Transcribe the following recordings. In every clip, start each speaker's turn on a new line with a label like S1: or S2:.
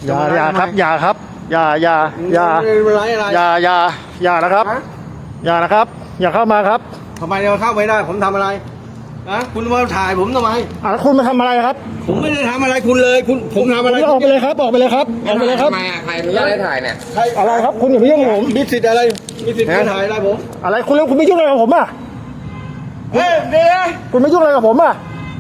S1: อย่าครับอย่าครับอย่านะครับอย่านะครับอย่าเข้ามาครับ
S2: ทำไมเราเข้าไม่ได้ผมทำอะไรนะคุณมาถ่ายผมทำไม
S1: แล้วคุณมาทำอะไรครับ
S2: ผมไม่ได้ทำอะไรคุณเลยผมทำอะไร
S1: ออกไปเลยครับออกไปเลยครับออกไปเลยครับ
S3: ทำไมใครอนุญาตให้ถ่ายเนี่ย
S2: ใคร
S1: อะไรครับคุณอย่าไปยุ่งกับผม
S2: มีสิทธิ์อะไรมีสิทธิ์มาถ่ายอะไรผม
S1: อะไรคุณแล้วคุณไม่ยุ่งอะไรกับผมอ่ะ
S2: เฮ้ยเนี่ย
S1: คุณไม่ยุ่งอะไรกับผมอ่ะ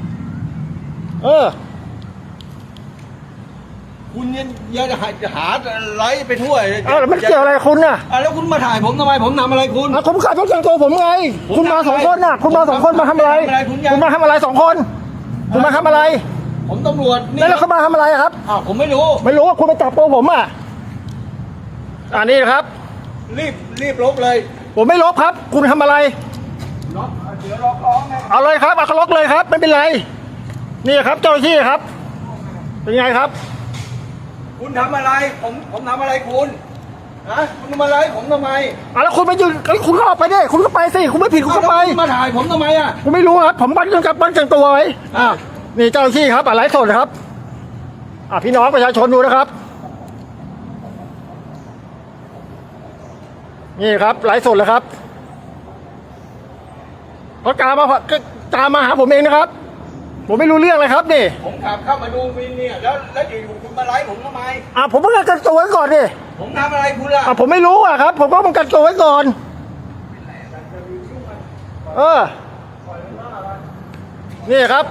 S2: คุณยังหาไลฟ์ไปทั่ว
S1: แล้วมันเกี่ยวอะไรกับคุณน่ะ
S2: แล้วคุณมาถ่ายผมทำไมผมทำอะไรคุณ
S1: ผมขับรถแต่งตัวผมไงคุณมาสองคนน่ะคุณมาสองคนมาทำอะไรคุณมาทำอะไรสองคนคุณมาทำอะไร
S2: ผมตำรวจนี่
S1: แล้วเขามาทำอะไรครับ
S2: ผมไม่รู้
S1: ไม่รู้ว่าคุณไปจับตัวผมอ่ะนี่นะครับ
S2: รีบลบเลย
S1: ผมไม่ลบครับ คุณทำอะไร
S2: ล็อกเดี๋ยวล็อกร้องไง
S1: เอาเลยครับเอาล็อกเลยครับไม่เป็นไรนี่ครับเจ้าหน้าที่ครับเป็นไงครับ
S2: คุณทำอะไรผมทำอะไรคุณคุณทำอะไรผมทำไม
S1: แล้วคุณไปยืนคุณก็ออกไปดิคุณก็ไปสิคุณไม่ผิดคุณก็ไป
S2: มาถ่ายผมทำไม
S1: ผมไม่รู้ครับผมบันกับบันจังตัวไว้นี่เจ้าหน้าที่ครับไลฟ์สดนะครับพี่น้องประชาชนดูนะครับนี่ครับไลฟ์สดเลยครับเขาตามมาหาผมเองนะครับผมไม่รู้เรื่องเลยครับนี่
S2: ผมขับเข้ามาดูวินเนี่ยแล้วอยู่คุณมาไลฟ์ผมทำไม
S1: ผมต้องกันตัวไว้ก่อนดิ
S2: ผมทำอะไรคุณล่ะ
S1: ผมไม่รู้ครับผมก็ต้องกันตัวไว้ก่อนนี่ครับ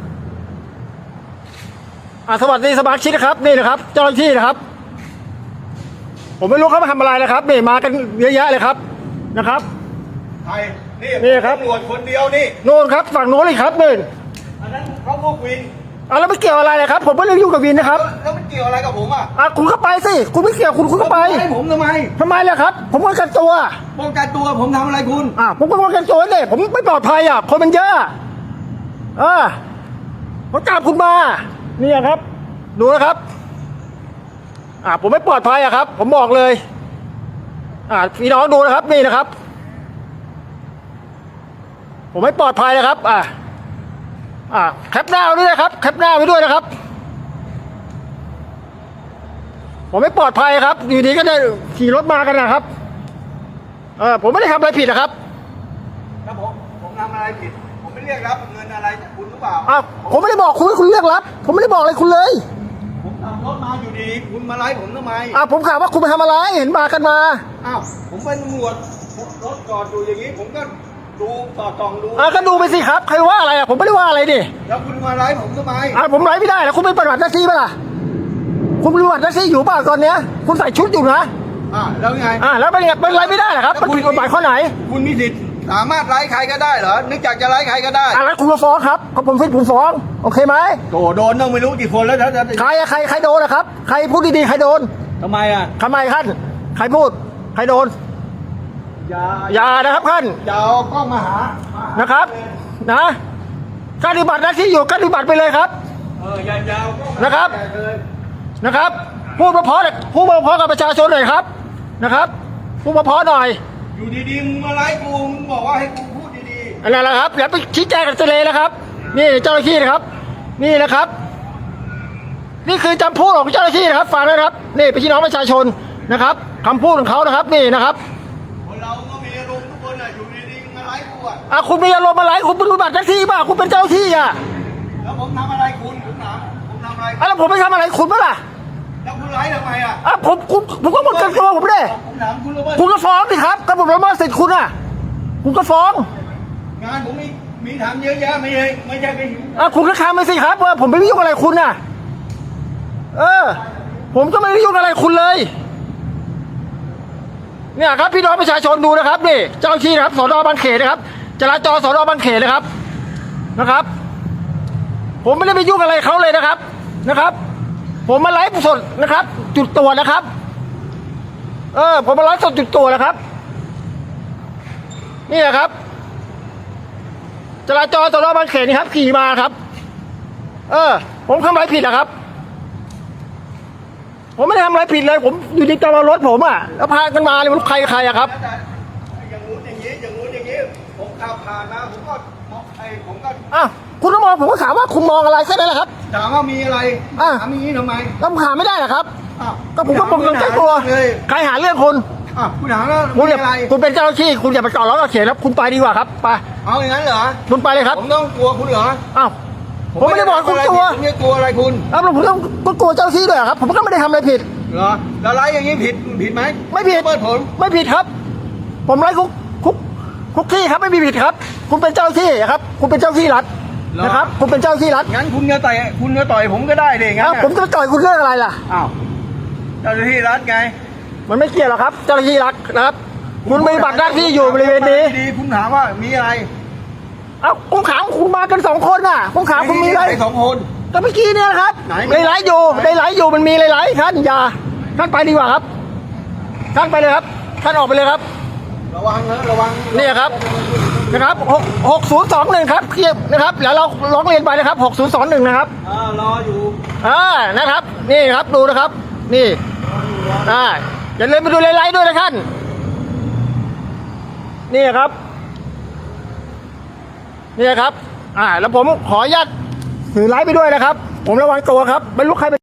S1: สวัสดีสมาชิกนะครับนี่นะครับเจ้าหน้าที่นะครับผมไม่รู้เขามาทำอะไรนะครับนี่มากันเยอะแยะเลยครับนะครับ
S2: ใคร
S1: นี่ครับ
S2: ตำรวจคนเดียวนี่
S1: โน่นครับฝั่งโน้นเลยครับนี่
S2: อันนั้นเขาพวกวิน
S1: แล้วไม่เกี่ยวอะไรเลยครับผมไม่ได้ยุ่งกับวินนะครับ
S2: แล้วมันเกี่ยวอะไรกับผม
S1: คุณก็ไปสิคุณไม่เกี่ยวคุณก็ไป
S2: ให้ผมทำไม
S1: ทำไมล่ะครับผมป้องกันตัว
S2: ป้องกันตัวผมทำอะไรคุณ
S1: ผมก็ป้องกันตัวเนี่ยผมไม่ปลอดภัยคนมันเยอะเขาจับคุณมานี่ครับดูนะครับผมไม่ปลอดภัยครับผมบอกเลยพี่น้องดูนะครับนี่นะครับผมไม่ปลอดภัยนะครับแคปหน้าไว้ด้วยนะครับแคปหน้าไว้ด้วยนะครับผมไม่ปลอดภัยครับอยู่ดีก็ได้ขี่รถมากันนะครับผมไม่ได้ทำอะไรผิดนะครับ
S2: แล้วผมทำอะไรผิดผมไม่เรียกรับเงินอะไรจากคุณหรือเปล่า
S1: ผมไม่ได้บอกคุณให้คุณเรียกรับผมไม่ได้บอกอะไรคุณเลย
S2: ผมขับรถมาอยู่ดีคุณมาไล่ผมทำไม
S1: ผมถามว่าคุณไปทำอะไรเห็นมากันมา
S2: ผมเป็นตำรวจรถจอดอยู่อย่างนี้ผมก็ดูต่อตองดู
S1: ก็ดูไปสิครับใครว่าอะไรผมไม่ได้ว่าอะไรดิ
S2: แล้วคุณมาไล่ผมทำไม
S1: ผมไล่ไม่ได้แล้วคุณเป็นปฏิบัติหน้าที่ป่ะล่ะคุณปฏิบัติหน้าที่อยู่ป่ะตอนเนี้ยคุณใส่ชุดอยู่นะ
S2: แล้วไง
S1: แล้วเป็นไล่ไม่ได้เหรอครับมันผิดกฎหมายข้อไหน
S2: คุณมีสิทธิ์สามารถไล่ใครก็ได้เหรอนึกอยากจะไล่ใครก็ได้
S1: แล้วคุณมาฟ้องครับผมฟ้องโอเคไหม
S2: โดนต้องไม่รู้กี่คนแล้ว
S1: ใครโดนนะครับใครพูดดีๆใครโดน
S2: ทำไม
S1: ท่านใครพูดใครโดนอย่านะครับท่าน
S2: อย่าเอากล้องมาหา
S1: นะครับการปฏิบัติหน้าที่อยู่การปฏิบัติไปเลยครับ
S2: อย่า
S1: นะครับพูดมาพอกับประชาชนหน่อยครับนะครับพูดมาพอหน่อย
S2: อยู่ดีๆมึงมาไล่กูมึงบอกว่าให้กูพูดดี
S1: ๆนั่นแหละครับอย่าไปชี้แจงกันเลยนะครับนี่เจ้าหน้าที่นะครับนี่นะครับนี่คือคำพูดของเจ้าหน้าที่นะครับฟังนะครับนี่เป็นพี่น้องประชาชนนะครับคำพูดของเขานะครับนี่นะครับ
S2: คนเราก็มีอารมณ์ทุกคนอยู่ดีๆมาไล่กู
S1: คุณมีอารมณ์อะไรคุณเป็นปฏิบัติหน้าที่ป่ะคุณเป็นเจ้าหน้าที่
S2: แล้วผมทำอะไรคุณผมถามผมทำอะไร
S1: แล้วผมไม่ทำอะไรคุณป่ะล่ะ
S2: แล้วคุณไล่ทำไม
S1: ผมก็ป้องกันตัวผมดิ
S2: ผมถาม
S1: คุณก็ฟ้องสิครับก็ผมละเมิดสิทธิ์คุณคุณก็ฟ้อง
S2: งานผมมีทำเยอะแยะไม่ใช่ไปหิว
S1: คุณก็ทำไปสิครับว่าผมไม่ได้ยุ่งอะไรคุณผมก็ไม่ได้ยุ่งอะไรคุณเลยเนี่ยครับพี่น้องประชาชนดูนะครับนี่เจ้าที่นะครับสน.บางเขนนะครับจราจรสน.บางเขนนะครับผมไม่ได้ไปยุ่งอะไรเขาเลยนะครับผมมาไลฟ์สดนะครับจุดตรวจนะครับผมมาไลฟ์สดจุดตรวจนะครับนี่ครับจราจรสน.บางเขนนี่ครับขี่มาครับผมทำอะไรผิดนะครับผมไม่ได้ทำอะไรผิดเลยผมอยู่ดีตามรถผมแล้วพากันมาเลยมันใครครับ
S2: อย่างงู้นอย่างนี้ผมขับผ่านมาผมก็
S1: คุณต้องมองผมก็ถามว่าคุณมองอะไรแค่นั้นแหละครับ
S2: ถามว่ามีอะไร
S1: อ่ะ
S2: ถามอย่างนี้ทำไม
S1: แล้วผมหาไม่ได้เหรอครับ
S2: อ้าว
S1: ก็ผมก็ปกป้องใจตัว
S2: เลย
S1: ใครหาเรื่องคุณ
S2: อ้าวคุณถามว่า
S1: คุณ
S2: มี
S1: อย่า
S2: อะไร
S1: คุณเป็นเจ้าหน้าที่คุณอย่าไปจอดล้อกับเขตครับคุณไปดีกว่าครับไป
S2: เอาอย่างนั้นเหรอ
S1: คุณไปเลยครับ
S2: ผมต้องกลัวคุณเหรอ
S1: อ้าวผมไม่ได้บอกคุณกลัว
S2: ผมไม่กลัวอะไรคุณ
S1: แล้วผมต้องกลัวเจ้าหน้าที่ด้วยเหรอครับ ผมก็ไม่ได้ทำอะไรผิด
S2: เหรอแล้วไรอย่างนี้ผิดไหม
S1: ไม่ผิด
S2: เปิดผล
S1: ไม่ผิดครับ ผมไล่คุกที่ครับไม่มีผิดครับ คุณเป็นเจ้าหน้าที่ครับ คุณเป็นเจ้าหน้าที่รัฐนะครับ คุณเป็นเจ้าหน้าที่รัฐ
S2: งั้นคุณจะต่อยผมก็ได้ดิงั้น
S1: อ้าว
S2: น่ะ
S1: ผมจะไปต่อยคุณเรื่องอะไรล่ะ
S2: อ้าวเจ้าหน้าที่รัฐไง
S1: มันไม่เกี่ยวหรอกครับ เจ้าหน้าที่รัฐนะครับ คุณมีบัตรหน้าที่อยู่บริเวณนี้
S2: ดีๆคุณถามว่ามีอะไร
S1: เอ้าผมถามคุณมากัน2 คนน่ะผมถามคุณมีอะไร
S2: สองคน
S1: ก็เมื่อกี้เนี่ยนะครับ
S2: ไหน
S1: ในไลฟ์อยู่มันมีหลายๆท่านอย่าท่านไปดีกว่าครับท่านไปเลยครับท่านออกไปเลยครับ
S2: ระวังนะระวัง
S1: นี่ครับนะครับ6021ครับเทียบนะครับแล้วเราร้องเรียนไปนะครับ6021นะครับ
S2: รออยู่
S1: นะครับ นี่ครับดูนะครับ นี่อย่าลืมไปดูไลฟ์ด้วยนะท่านนี่ครับนี่ครับแล้วผมขออนุญาตถือไลฟ์ไปด้วยนะครับ ผมระวังตัวครับไม่รู้ใครเป็น